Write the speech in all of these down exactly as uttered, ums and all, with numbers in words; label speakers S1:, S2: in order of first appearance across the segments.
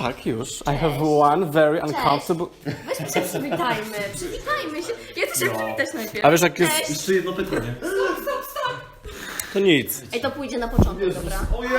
S1: Tak, już. I have one very uncomfortable...
S2: Weźmy się przywitajmy, przywitajmy się. Ja chcę się przywitać najpierw.
S1: A wiesz jak jest...
S2: Cześć.
S3: Jeszcze jedno pytanie.
S1: To nic.
S2: Ej, to pójdzie na początek, dobra?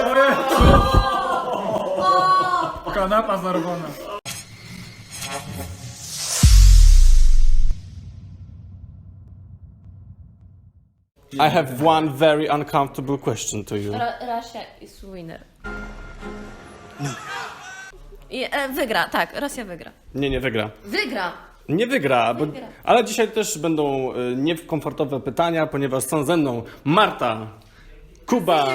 S4: Kanapa zarwana.
S1: I have one very uncomfortable question to you.
S2: Ra Rosja is winner. I, e, wygra, tak, Rosja wygra.
S1: Nie, nie wygra.
S2: Wygra!
S1: Nie wygra, bo...
S2: Wygra.
S1: ale dzisiaj też będą y, niekomfortowe pytania, ponieważ są ze mną Marta, Kuba,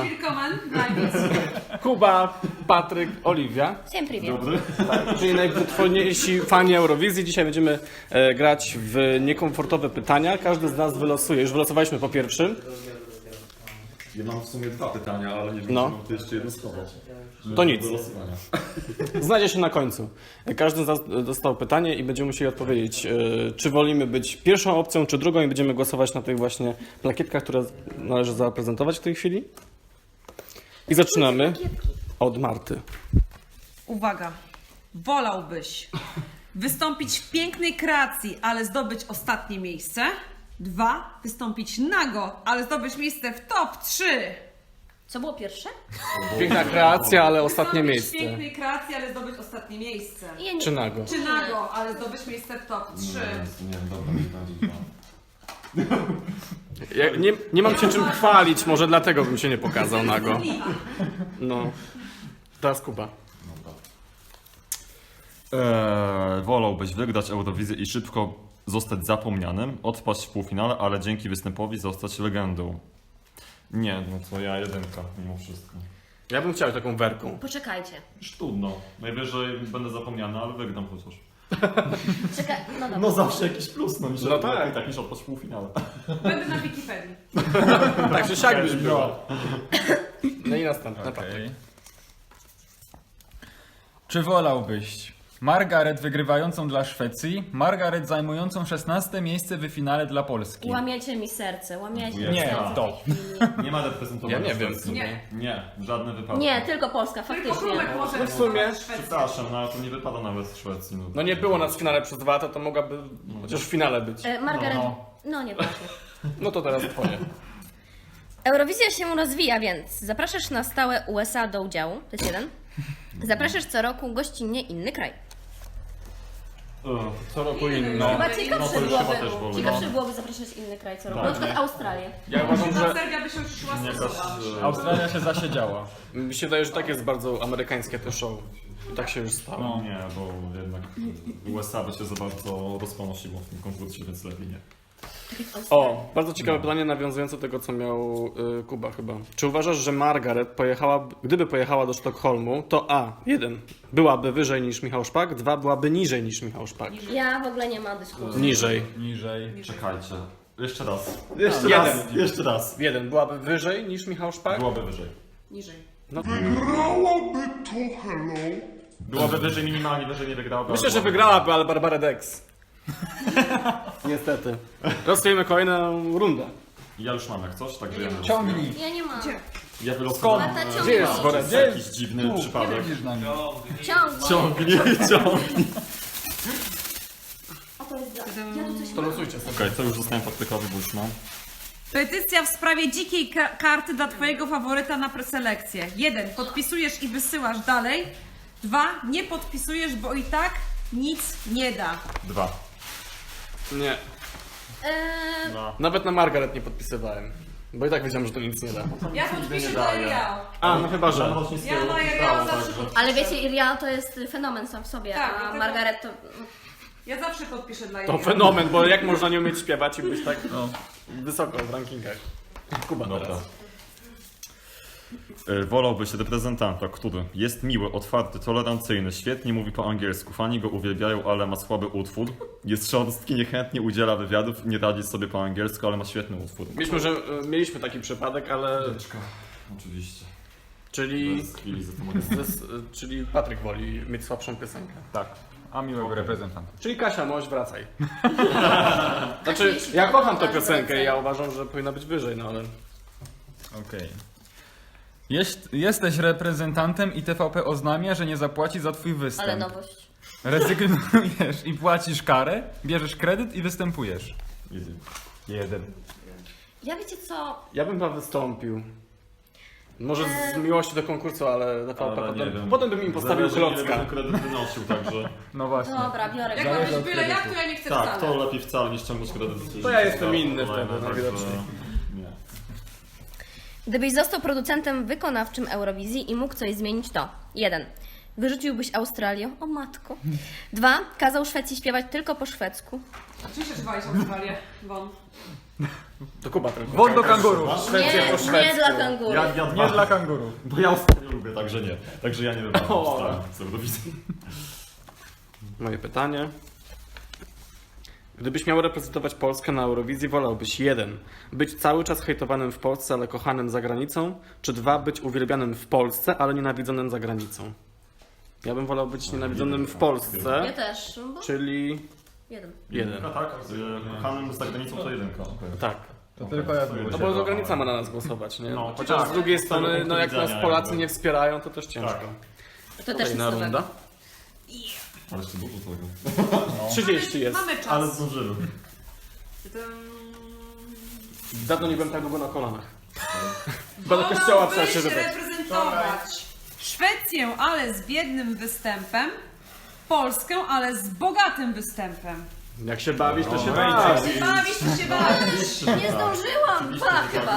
S1: Kuba, Patryk, Oliwia.
S2: Всем привет.
S1: Czyli najwytworniejsi fani Eurowizji. Dzisiaj będziemy e, grać w niekomfortowe pytania. Każdy z nas wylosuje. Już wylosowaliśmy po pierwszym.
S3: Ja mam w sumie dwa pytania, ale nie wiem,
S1: No.
S3: czy mam to jeszcze jedno schować.
S1: To nic.
S3: Do losowania.
S1: Znajdzie się na końcu. Każdy z nas dostał pytanie i będziemy musieli odpowiedzieć, e, czy wolimy być pierwszą opcją, czy drugą i będziemy głosować na tych właśnie plakietkach, które należy zaprezentować w tej chwili. I zaczynamy od Marty.
S5: Uwaga, wolałbyś wystąpić w pięknej kreacji, ale zdobyć ostatnie miejsce? Dwa, wystąpić nago, ale zdobyć miejsce w top trzy.
S2: Co było pierwsze?
S1: Piękna kreacja, ale ostatnie
S5: Wystąpić
S1: miejsce.
S5: w pięknej kreacji, ale zdobyć ostatnie miejsce.
S2: Ja nie...
S1: Czy nago?
S5: Czy nago, ale zdobyć miejsce w top trzy.
S3: Nie, nie, dobra, nie będzie.
S1: Ja nie, nie mam się czym chwalić, może dlatego bym się nie pokazał nago. No. Teraz Kuba.
S3: Eee, wolałbyś wygrać Eurowizję i szybko zostać zapomnianym, odpaść w półfinale, ale dzięki występowi zostać legendą. Nie, no to ja jedynka mimo wszystko.
S1: Ja bym chciał taką werką.
S2: Poczekajcie.
S3: Już trudno. Najwyżej będę zapomniany, ale wygram chociaż.
S2: Czekaj, no dobra.
S3: No zawsze jakiś plus, no, niż
S1: No tak.
S3: i tak niż odpaść w półfinale.
S5: Będę na Wikipedii.
S1: Tak czy siak byś była. No i następna.
S4: Okej. Czy wolałbyś Margaret wygrywającą dla Szwecji, Margaret zajmującą szesnaste miejsce w finale dla Polski?
S2: Łamiecie mi serce, łamiecie mi
S4: Nie,
S2: serce.
S4: to.
S3: Nie ma reprezentowania
S1: Ja nie wiem.
S3: Szwecji.
S5: Nie.
S3: Nie, żadne wypadki.
S2: Nie, tylko Polska,
S5: Tylko
S2: faktycznie.
S5: Królek może
S1: No w sumie,
S5: reprezentować Szwecję.
S3: Przepraszam, no ale to nie wypada nawet z Szwecji. No,
S1: No nie było nas w finale przez dwa lata, to mogłaby chociaż w finale być.
S2: E, Margaret...
S4: No.
S2: No nie właśnie.
S1: No to teraz twoje.
S2: Eurowizja się rozwija, więc zapraszasz na stałe U S A do udziału, to jest jeden. Zapraszasz co roku gościnnie inny kraj.
S1: Co roku inno.
S2: Chyba
S3: no
S2: ciekawsze
S3: to już chyba też
S2: byłoby,
S3: wolno.
S2: ciekawsze byłoby zapraszać inny kraj co roku. Na przykład Australię.
S1: Ja uważam,
S5: Na
S1: że
S5: Serbia by się już szła
S3: Jakaś,
S5: stosować.
S3: e,
S4: Australia się zasiedziała.
S1: mi się wydaje, że tak jest bardzo amerykańskie to show. I tak się już stało.
S4: No.
S3: Nie, bo jednak U S A by się za bardzo rozponosiło w tym konkursie, więc lepiej nie.
S1: O, bardzo ciekawe pytanie nawiązujące do tego, co miał y, Kuba chyba. Czy uważasz, że Margaret pojechała, gdyby pojechała do Sztokholmu, to A, jeden, byłaby wyżej niż Michał Szpak, dwa, byłaby niżej niż Michał Szpak.
S2: Ja w ogóle nie ma dyskusji.
S1: Niżej.
S4: Niżej.
S3: Czekajcie. Jeszcze raz. Jeszcze
S1: Jeden.
S3: raz. Jeszcze raz.
S1: Jeden, byłaby wyżej niż Michał Szpak?
S3: Byłoby wyżej.
S5: Niżej.
S1: No,
S3: Byłoby wyżej minimalnie, wyżej nie wygrałaby.
S1: myślę,
S3: ale
S1: że
S3: byłoby-
S1: wygrałaby, ale Barbara Dex. Niestety. Losujemy kolejną rundę.
S3: Ja już mam jak coś, także ja nie
S4: Ciągnij.
S2: Ja nie mam.
S3: Ja wylosowałem.
S2: Marta,
S1: Gdzie
S2: ciągnij.
S1: jest worek?
S3: To jest jakiś dziwny przypadek.
S4: Widzisz na mnie.
S2: Ciągnij.
S3: Ciągnie, ciągnie.
S2: A to jest dla... Ja tu coś
S1: To losujcie sobie.
S3: Okej, to już zostałem Patrykowi, bo już mam.
S5: Petycja w sprawie dzikiej ka karty dla twojego faworyta na preselekcję. Jeden, podpisujesz i wysyłasz dalej. Dwa, nie podpisujesz, bo i tak nic nie da.
S3: Dwa.
S1: Nie.
S2: Eee,
S3: Dwa.
S1: Nawet na Margaret nie podpisywałem. Bo i tak wiedziałem, że to nic nie da.
S5: Ja podpiszę
S3: nie
S5: dla
S3: daje.
S5: Iriao.
S1: A, no chyba, że.
S5: Ja na Iriao zawsze
S2: ale wiecie, Iria to jest fenomen sam w sobie,
S5: Tak,
S2: a
S5: dlatego-
S2: Margaret to...
S5: Ja zawsze podpiszę dla
S1: To
S5: Iriao.
S1: fenomen, bo jak można nie umieć śpiewać i być tak wysoko w rankingach. Kuba
S3: Dobra.
S1: teraz.
S3: Y, Wolałbyś reprezentanta, który jest miły, otwarty, tolerancyjny, świetnie mówi po angielsku, fani go uwielbiają, ale ma słaby utwór, jest szorstki, niechętnie udziela wywiadów, nie radzi sobie po angielsku, ale ma świetny utwór.
S1: Mieliśmy, że e, mieliśmy taki przypadek, ale.
S3: Oczywiście.
S1: Czyli.
S3: Bez chwili za to mogę
S1: zes- czyli Patryk woli mieć słabszą piosenkę.
S4: Tak. A miłego reprezentanta.
S1: Czyli Kasia, możesz wracaj. Znaczy, ja kocham tę piosenkę i ja uważam, że powinna być wyżej, no ale.
S4: Okej. Jest, jesteś reprezentantem i T V P oznamia, że nie zapłaci za twój występ.
S2: Ale nowość.
S4: Rezygnujesz i płacisz karę, bierzesz kredyt i występujesz.
S3: Easy.
S4: Jeden.
S2: Ja wiecie co?
S1: Ja bym chyba wystąpił. Może z miłości do konkursu, ale na
S3: Ale
S1: potem,
S3: nie wiem.
S1: potem bym im postawił
S3: Zależy, ile
S1: klocka.
S3: ten kredyt wynosił, także...
S4: No właśnie.
S2: Dobra, biorę
S5: Jak
S2: go.
S5: ma
S4: Zależy
S5: być
S4: od
S5: byle jak,
S4: kredytu.
S5: to ja nie chcę
S3: Tak,
S5: wcale.
S3: to lepiej wcale niż ciągnąć kredyt.
S1: To ja jestem inny
S3: Kolejne,
S1: wtedy,
S3: także
S1: najwidoczniej.
S3: Nie.
S2: Gdybyś został producentem wykonawczym Eurowizji i mógł coś zmienić, to jeden. Wyrzuciłbyś Australię, o matko. Dwa. Kazał Szwecji śpiewać tylko po szwedzku.
S5: Oczywiście, że walisz Australię, Won.
S1: To Kuba tylko.
S4: Won do kanguru.
S1: Szwecja po
S2: Nie, nie
S1: szwedzku.
S2: dla kanguru.
S3: Ja, ja
S4: Nie
S3: dwa,
S4: dla kanguru.
S3: bo ja ostatnio lubię, także nie. Także ja nie wybrałem
S1: O.
S3: Australii z Eurowizji.
S1: Moje pytanie. Gdybyś miał reprezentować Polskę na Eurowizji, wolałbyś jeden. Być cały czas hejtowanym w Polsce, ale kochanym za granicą, czy dwa. Być uwielbianym w Polsce, ale nienawidzonym za granicą? Ja bym wolał być nienawidzonym w Polsce,
S2: Ja też, bo
S1: czyli
S2: jeden.
S1: jeden.
S3: No tak, z kochanym za granicą to jedynka.
S1: Tak.
S4: To tylko ja
S1: No bo za granica ma na nas głosować, nie?
S3: No,
S1: Chociaż
S3: tak.
S1: z drugiej
S3: Z
S1: strony,
S3: tego
S1: no jak
S3: punktu
S1: nas
S3: widzenia
S1: Polacy
S3: jakby.
S1: nie wspierają, to też ciężko.
S3: Tak.
S2: To też
S1: Kolejna
S2: jest
S1: runda.
S3: Ale jeszcze dużo tego.
S1: trzydzieści jest.
S5: Mamy czas.
S3: Ale zdążymy.
S1: Dawno nie byłem tak długo na kolanach. Chyba do kościoła trzeba się
S5: Wolałbyś
S1: wybrać.
S5: reprezentować Szwecję, ale z biednym występem, Polskę, ale z bogatym występem.
S1: Jak się bawisz, to się
S3: No,
S1: bawisz.
S5: Bawisz to się bawisz.
S2: Nie zdążyłam! Dwa chyba.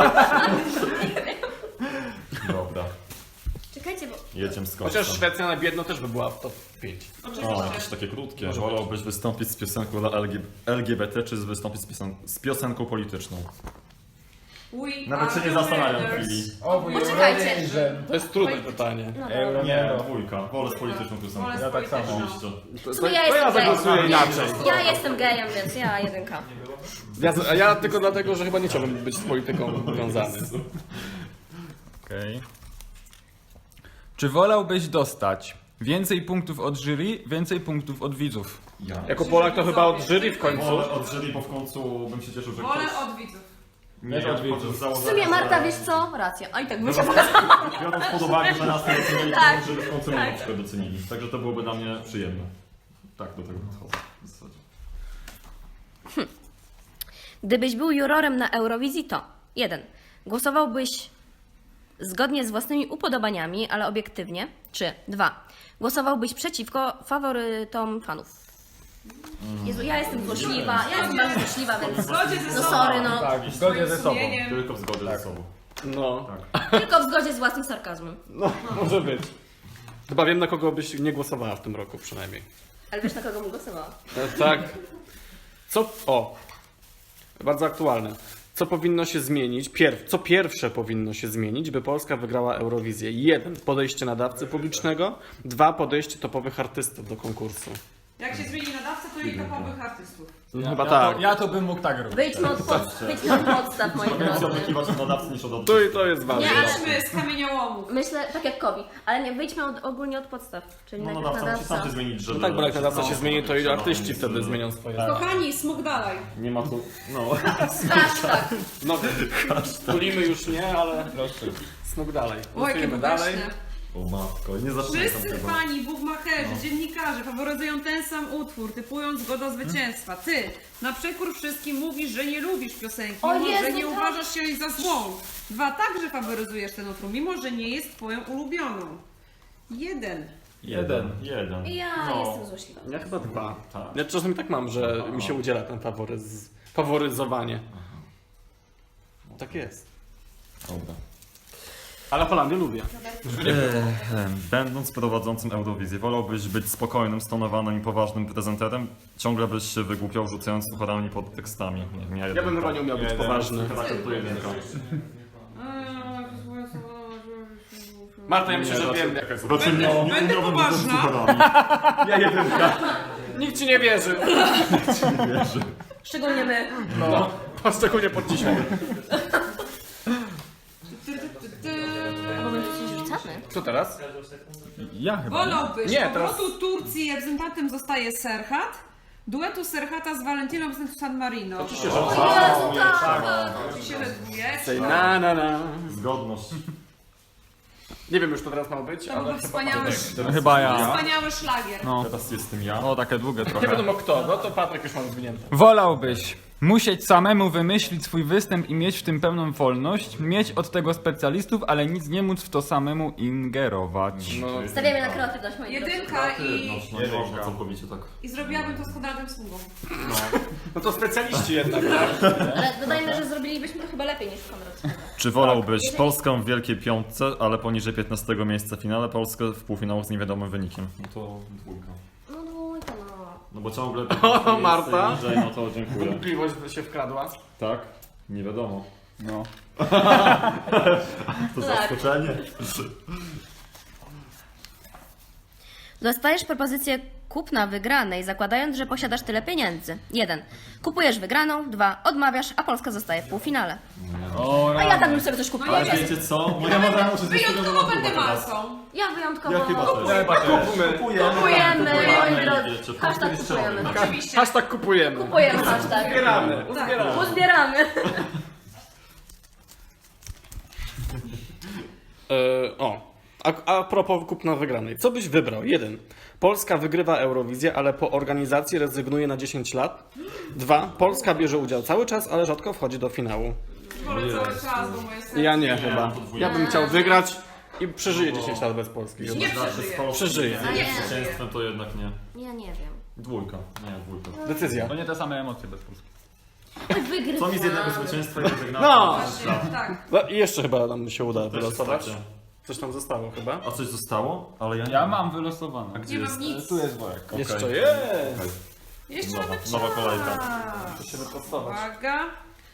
S3: Dobra,
S2: Czekajcie, bo...
S3: jedziemy z
S1: Chociaż
S3: końcem.
S1: Szwecja na biedno też by była w top pięć.
S3: O, jakieś takie krótkie. Wolałbyś wystąpić z piosenką dla L G L G B T, czy wystąpić z, piosen z piosenką polityczną?
S5: We
S3: Nawet się
S5: are
S3: nie zastanawiam
S5: winners.
S3: chwili.
S2: Poczekajcie.
S1: To jest trudne pytanie.
S2: No
S4: Euro
S2: dobra.
S3: Nie,
S4: nie.
S3: dwójka. Wolę z polityczną piosenką.
S5: Wolę z
S4: Ja tak samo.
S5: polityczną.
S3: Oczywiście.
S1: To,
S2: W sumie ja
S1: to ja
S2: jestem
S1: zagłosuję
S2: gejem.
S1: inaczej.
S2: Ja jestem gejem, więc ja jedynka.
S1: Ja, a ja tylko dlatego, że chyba nie chciałbym być z polityką związany.
S4: Okej. Czy wolałbyś dostać więcej punktów od jury, więcej punktów od widzów?
S3: Ja.
S1: Jako Polak to chyba od jury w końcu.
S3: Wolę od jury, bo w końcu bym się cieszył, że
S5: Wolę
S3: ktoś...
S5: od widzów.
S3: Nie,
S4: Też od
S3: ja
S4: widzów.
S3: z założenia,
S2: W sumie Marta,
S3: że-
S2: wiesz co? Racja. A i tak bym się pokazała.
S3: Biorąc pod uwagę, że nas nie docenili,
S2: Tak,
S3: to żeby w końcu mnie
S2: tak.
S3: na przykład docenili. Także to byłoby dla mnie przyjemne. Tak do tego podchodzę w zasadzie.
S2: Gdybyś był jurorem na Eurowizji, to jeden. Głosowałbyś zgodnie z własnymi upodobaniami, ale obiektywnie. Czy dwa. Głosowałbyś przeciwko faworytom fanów. Jezu, ja jestem złośliwa, ja jestem bardzo złośliwa,
S5: W
S2: więc
S5: zgodzie ze
S2: no
S5: sobą.
S2: sorry, no.
S4: Tak, w zgodzie ze sobą.
S5: Sumieniem.
S3: Tylko w zgodzie ze sobą.
S1: No,
S2: Tylko w zgodzie z własnym sarkazmem.
S1: no, może być. Chyba wiem, na kogo byś nie głosowała w tym roku przynajmniej.
S2: Ale wiesz, na kogo bym głosowała?
S1: E, Tak. Co? O. Bardzo aktualne. Co powinno się zmienić? Pierw, co pierwsze powinno się zmienić, by Polska wygrała Eurowizję? Jeden. Podejście nadawcy publicznego. Dwa. Podejście topowych artystów do konkursu.
S5: Jak się zmieni nadawca, to i topowych artystów.
S1: No, chyba
S4: Ja
S1: tak.
S4: to, ja to bym mógł tak robić.
S2: Wyjdźmy od, pod, wyjdźmy od podstaw, moi
S3: Więcej
S2: drodzy.
S3: oczekiwać od nadawcy niż od
S1: Tu i to jest ważne.
S2: Nie, ale-
S5: Idźmy z kamieniołomów.
S2: Myślę, tak jak Kobi, ale nie, wyjdźmy od, ogólnie od podstaw. Czyli
S3: No
S2: najpierw
S3: nadawca musi sam
S2: nadawca.
S3: się zmienić, żeby...
S1: No tak, bo jak nadawca się
S3: no,
S1: zmieni, to i
S3: no,
S1: artyści
S3: więc,
S1: wtedy
S3: e,
S1: zmienią swoje.
S5: Kochani, smok dalej.
S3: Nie ma tu... No.
S2: Hashtag.
S1: No, tulimy już nie, ale smok dalej.
S5: O, jakie
S1: Głosujemy dalej.
S5: bogaczne.
S3: O matko, nie zaczynaj tam
S5: Wszyscy
S3: tego.
S5: fani, bukmacherzy,
S1: No.
S5: dziennikarze faworyzują ten sam utwór, typują zgoda zwycięstwa. Ty, na przekór wszystkim mówisz, że nie lubisz piosenki,
S2: O
S5: mimo że
S2: Jezu,
S5: nie
S2: tak.
S5: uważasz się jej za złą. Dwa, także faworyzujesz ten utwór, mimo że nie jest twoją ulubioną. Jeden.
S3: Jeden. Jeden.
S2: Ja
S3: No.
S2: jestem złośliwa.
S1: Ja chyba dwa.
S3: Tak.
S1: Ja czasami tak mam, że mi się udziela ten faworyz... faworyzowanie. Tak jest.
S3: Dobra.
S1: Ale Holandię lubię.
S3: Będąc prowadzącym Eurowizję, wolałbyś być spokojnym, stonowanym i poważnym prezenterem? Ciągle byś się wygłupiał, rzucając sucharami pod tekstami. Nie, nie,
S1: Ja bym chyba nie umiał być poważny.
S3: Chyba to jedynka.
S1: Marta, ja myślę, że wiem.
S3: Raczej nie, nie
S5: Będę
S3: umiałbym
S5: poważna.
S3: rzucać sucharami.
S1: Ja jedynka. Nikt ci nie wierzy.
S2: Szczególnie my.
S1: No, szczególnie pod dzisiaj.
S2: Bo my przecież rzucamy.
S1: Co teraz?
S4: Ja chyba. Nie?
S5: Wolałbyś
S1: Nie,
S5: powrotu Turcji, reprezentantem zostaje Serhat, duetu Serhata z Valentiną z San Marino.
S1: Oczywiście, że
S2: Jezu, tak.
S5: Oczywiście, że dwójeczka.
S1: Say na na na.
S3: Zgodność.
S1: Nie wiem już, to teraz ma być,
S5: To
S1: ale
S5: był
S1: chyba...
S5: wspaniały,
S3: Teraz
S4: Chyba
S3: jestem
S4: ja.
S5: wspaniały szlagier.
S4: No.
S3: Teraz jestem ja.
S4: O, takie długie
S1: Nie
S4: trochę.
S1: wiadomo kto, no to Patryk już ma zwinięte.
S4: Wolałbyś musieć samemu wymyślić swój występ i mieć w tym pełną wolność, mieć od tego specjalistów, ale nic nie móc w to samemu ingerować.
S1: No,
S2: Stawiamy na kreatywność, moi drodzy.
S5: Jedynka i,
S3: No, no nie można całkowicie tak.
S5: i zrobiłabym to z Konradem Smugą.
S1: no to specjaliści jednak, tak?
S2: Ale dodajmy, że zrobilibyśmy to chyba lepiej niż Konrad.
S3: Czy wolałbyś Polskę w Wielkiej Piątce, ale poniżej piętnastego miejsca w finale, Polskę w półfinału z niewiadomym wynikiem? No to dwójka.
S2: No dwójka, no.
S3: No bo ciągle
S1: O, Marta.
S3: niżej, no to dziękuję.
S1: Wątpliwość się wkradła.
S3: Tak? Nie wiadomo.
S4: No.
S3: To
S2: Tak.
S3: zaskoczenie.
S2: Dostajesz propozycję kupna wygranej, zakładając, że posiadasz tyle pieniędzy. jeden. Kupujesz wygraną. dwa. Odmawiasz, a Polska zostaje w półfinale.
S4: O,
S2: A ja tam już sobie coś kupiłam.
S3: Ale wiecie co? Moja mama muszę
S5: Wyjątkowo będę masą.
S2: Ja wyjątkowo...
S3: Ja chyba też.
S1: Kupmy.
S2: Kupujemy, moi
S3: Wiecie,
S2: drodzy.
S3: to
S2: Hashtag
S3: kiedyś
S2: kupujemy.
S5: Oczywiście.
S1: Hashtag kupujemy.
S2: Kupujemy hashtag.
S1: Uzbieramy.
S5: Tak.
S2: Uzbieramy.
S1: E, o, a, a propos kupna wygranej. Co byś wybrał? jeden. Polska wygrywa Eurowizję, ale po organizacji rezygnuje na dziesięć lat. dwa. Polska bierze udział cały czas, ale rzadko wchodzi do finału.
S5: Wolę cały czas, bo moje serce...
S1: Ja nie chyba. Ja bym chciał wygrać i przeżyję dziesięć lat bez Polski.
S5: Nie przeżyję.
S1: Przeżyję.
S5: Nie
S3: Zwycięstwem to jednak nie.
S2: Ja nie wiem.
S3: Dwójka. Nie, dwójka.
S1: Decyzja.
S4: To nie te same emocje bez Polski.
S2: Wygrywamy.
S3: Co mi z jednego zwycięstwa i rezygnacji?
S1: No!
S5: Właśnie, tak.
S1: No i jeszcze chyba nam się uda
S3: Też
S1: wylosować.
S3: jest
S1: Coś tam zostało chyba.
S3: A coś zostało? Ale ja nie
S4: Ja mam wylosowane.
S3: Gdzie
S5: Nie
S3: jest?
S5: mam nic.
S4: Tu jest worek.
S3: Okej.
S1: Jeszcze jest.
S3: Okej.
S5: Jeszcze
S3: Nowa-
S5: mamy
S3: nowa kolejka.
S5: czas.
S1: To się wyprostować.
S5: Uwaga.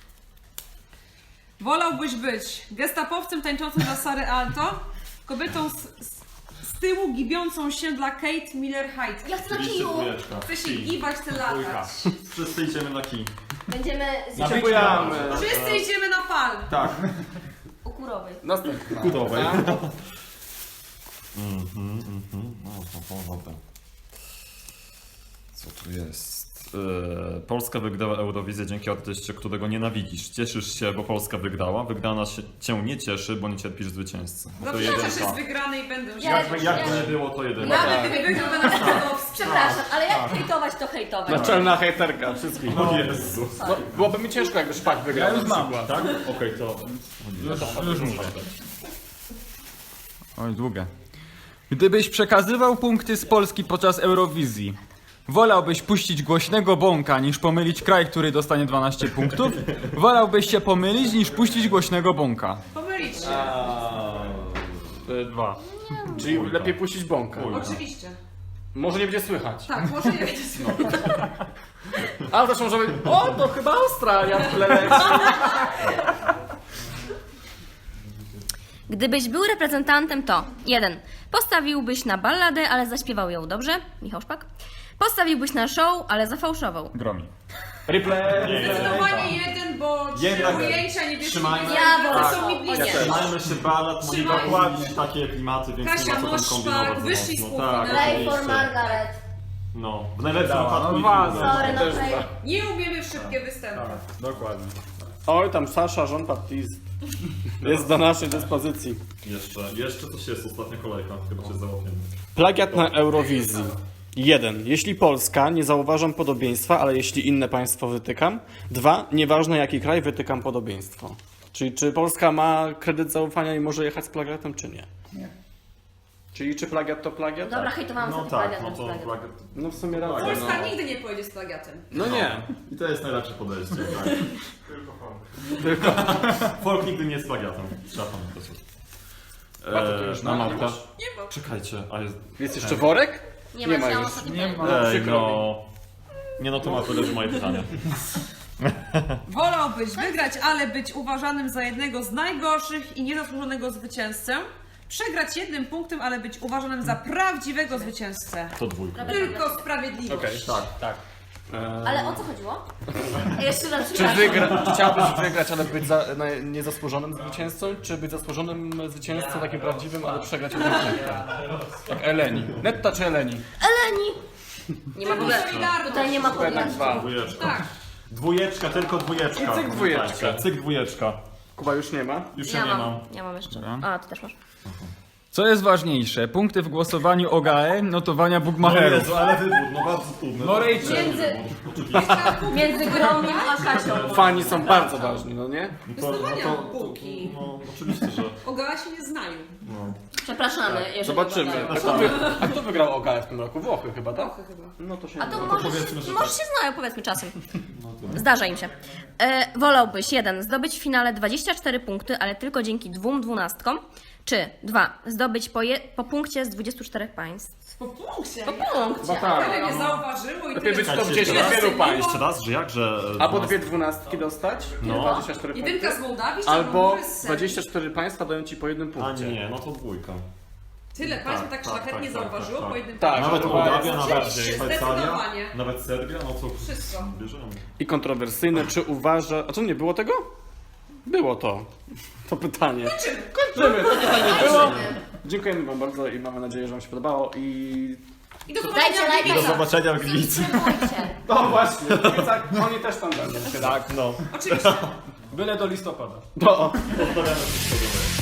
S5: Wolałbyś być gestapowcem tańczącym dla Sary Alto, kobietą z, z, z tyłu gibiącą się dla Kate Miller-Hyde.
S2: Ja chcę na
S3: Oczywiście
S2: kiju.
S3: dwójeczka.
S5: Chcę się
S3: Kij.
S5: gibać, chcę latać.
S3: Wszyscy idziemy na kij.
S2: Będziemy
S4: Na
S2: z
S1: Dziękujemy.
S5: Wszyscy idziemy na palm.
S3: Tak.
S2: ukurowej.
S1: Następna.
S3: Kudowej.
S1: Tak.
S3: Mhm, mhm. No to, to dobra. Co tu jest? Yy, Polska wygrała Eurowizję dzięki artyście, którego nienawidzisz. Cieszysz się, bo Polska wygrała. Wygrana się, cię nie cieszy, bo nie cierpisz zwycięzcy. No to
S5: Zaprzeczasz
S3: jedynka.
S5: jest wygrany i będę
S2: Ja-
S5: się.
S3: Jakby, jakby nie było, to jedynka.
S5: Nawet gdyby wygrał, będę Skłodowski.
S2: Przepraszam, ale jak hejtować, to hejtować.
S1: Naczelna hejterka wszystkich.
S3: O Jezu.
S1: No, byłoby mi ciężko, jakby szpak wygrał.
S4: Ja już
S1: na
S4: mam.
S1: przykład.
S3: Tak? Okej, to...
S4: Już, już mówię. Oj, długie. Gdybyś przekazywał punkty z Polski podczas Eurowizji, wolałbyś puścić głośnego bąka niż pomylić kraj, który dostanie dwanaście punktów? Wolałbyś się pomylić niż puścić głośnego bąka?
S5: Pomylić się.
S1: E, Dwa. Czyli lepiej puścić bąka.
S5: Oczywiście.
S1: Może nie będzie słychać.
S5: Tak, może nie będzie słowa.
S1: A zresztą może być, o to chyba Australia w tle leci.
S2: Gdybyś był reprezentantem, to jeden. Postawiłbyś na balladę, ale zaśpiewał ją dobrze. Michał Szpak. Postawiłbyś na show, ale zafałszował.
S4: Gromi.
S1: Replay.
S5: Zdecydowanie jeden, bo trzy
S3: Jednak
S5: ujęcia nie wiesz,
S3: trzymajmy-
S2: Ja wolę
S5: są mi
S2: to.
S5: bliskie.
S2: Nie.
S3: Trzymajmy się ballad, może
S5: Trzymajmy.
S3: dokładnie takie klimaty, więc
S5: Kasia
S3: nie ma co tam
S5: Moszpak,
S3: kombinować. za
S5: wyszli z
S3: mocno.
S5: półfinału.
S3: Tak,
S2: Play for
S3: oczywiście.
S2: Margaret.
S3: No, w najlepszym
S4: Dała,
S3: wypadku
S4: no
S3: i
S4: was.
S3: druga.
S2: Sorry, no
S1: też
S2: play.
S1: dwa.
S5: Nie umiemy w szybkie występy.
S4: Dokładnie.
S1: Oj, tam Sasza Jean-Baptiste jest do naszej dyspozycji.
S3: Jeszcze, jeszcze coś jest, ostatnia kolejka, chyba się załapiemy.
S1: Plagiat na Eurowizji. jeden. Jeśli Polska, nie zauważam podobieństwa, ale jeśli inne państwo wytykam. dwa. Nieważne jaki kraj, wytykam podobieństwo. Czyli czy Polska ma kredyt zaufania i może jechać z plagiatem, czy nie?
S4: Nie.
S1: Czyli czy plagiat to plagiat?
S2: Dobra, hejtowałam
S3: No
S2: sobie
S3: tak,
S2: plagiat,
S3: no
S2: więc
S3: to
S2: plagiat.
S3: plagiat.
S1: No w sumie racja.
S5: Polska
S1: No,
S5: nigdy nie pojedzie z plagiatem.
S1: no nie.
S3: I to jest najlepsze podejście, tak. Tylko folk. Folk nigdy nie jest plagiatem. Trzeba pamiętać.
S1: Bardzo to już
S3: na
S1: na
S3: mapkę.
S5: Nie ma.
S3: Czekajcie, a jest...
S1: Jest jeszcze worek?
S2: Nie,
S1: Nie
S2: ma,
S1: ma
S2: ja
S1: już.
S2: ostatni
S4: Nie
S2: nie
S4: ma.
S3: Ej,
S1: przykro
S3: no... Nie no, to ma leży moje pytanie.
S5: Wolałbyś wygrać, ale być uważanym za jednego z najgorszych i niezasłużonego zwycięzcę. Przegrać jednym punktem, ale być uważanym za prawdziwego zwycięzcę.
S3: To dwójka.
S5: Tylko sprawiedliwość.
S1: Okej, tak, tak.
S2: Ale o co chodziło? Jeszcze raz
S1: Czy
S2: przepraszam.
S1: wygra, chciałbyś wygrać, ale być za, na, niezasłużonym zwycięzcą, czy być zasłużonym zwycięzcą, takim prawdziwym, ale przegrać jednym punktem? Tak, Eleni. Netta czy Eleni?
S2: Eleni! Nie ma w ogóle.
S5: Solidarność.
S2: Tutaj nie ma
S1: Jednak
S2: podjazdu.
S1: dwa.
S3: Dwójeczka.
S5: Tak.
S3: Dwójeczka, tylko dwójeczka.
S1: I cyk dwójeczka.
S3: Pamiętajcie. Cyk dwójeczka.
S1: Kuba już nie ma.
S3: Już
S2: Ja
S3: ja nie
S2: mam.
S3: mam.
S2: Ja mam jeszcze.
S4: Dobra.
S2: A, ty też masz.
S4: Co jest ważniejsze? Punkty w głosowaniu O G A E, notowania
S3: No
S4: Bugmacherów.
S3: Jezu, ale wybór, no bardzo trudny.
S4: No Rachel.
S2: Między, między Gromem a Kasią.
S1: Fani są bardzo ważni, no nie?
S3: To, no
S5: Wyznawania
S3: to,
S5: półki.
S3: no oczywiście, że...
S5: O G A E się nie znają.
S3: No.
S2: Przepraszamy, jeżeli
S1: Zobaczymy. A
S2: oglądają.
S1: kto, wy, a kto wygrał O G A E w tym roku? Włochy chyba, tak?
S5: Włochy chyba.
S1: No to się
S2: A to
S3: to
S2: może,
S3: powiedzmy, że
S2: może
S3: tak.
S2: się znają, powiedzmy czasem. Zdarza im się. E, wolałbyś jeden, zdobyć w finale dwadzieścia cztery punkty, ale tylko dzięki dwóm dwunastkom, czy dwa, zdobyć po, je, po punkcie z dwudziestu czterech państw.
S5: Po punkcie.
S2: Po punkcie.
S1: tak.
S5: Tyle nie zauważyło i
S1: Lepiej
S5: tyle
S1: być top
S5: nie
S1: dziesięć
S5: doceniło.
S1: wielu państw.
S3: Jeszcze raz, że jak, że...
S1: Albo dwie dwunastki dostać,
S3: No.
S1: dwadzieścia cztery punkty.
S5: Jedynka z Mołdawii,
S1: Albo
S5: czy z
S1: dwadzieścia cztery państwa dają ci po jednym
S3: A
S1: punkcie.
S3: nie, no to dwójka.
S5: Tyle państw
S3: Tak,
S5: tak
S3: tak,
S5: szlachetnie
S3: tak,
S5: zauważyło
S3: tak,
S5: po
S3: tak.
S5: jednym
S1: Tak.
S5: punkcie.
S3: Nawet
S1: to
S3: Mołdawia,
S1: jest-
S3: nawet
S5: Oczywiście,
S3: Szwajcaria,
S5: zdecydowanie.
S3: nawet Serbia, no to
S5: Wszystko.
S3: bierzemy.
S1: I kontrowersyjne, czy uważa... A co, nie było tego? Było to. To pytanie. Kończymy. To pytanie było. Dziękujemy wam bardzo i mamy nadzieję, że wam się podobało i...
S5: I do
S2: Dajcie
S5: zobaczenia w
S2: lajka.
S5: Gliwicach.
S3: Do zobaczenia w Gliwicy.
S2: Subskrybujcie.
S1: No właśnie, w Gliwicach oni też tam będą.
S3: Tak, no.
S5: Oczywiście.
S4: Byle do listopada.
S1: No.
S3: Pozdrawiamy wszystko.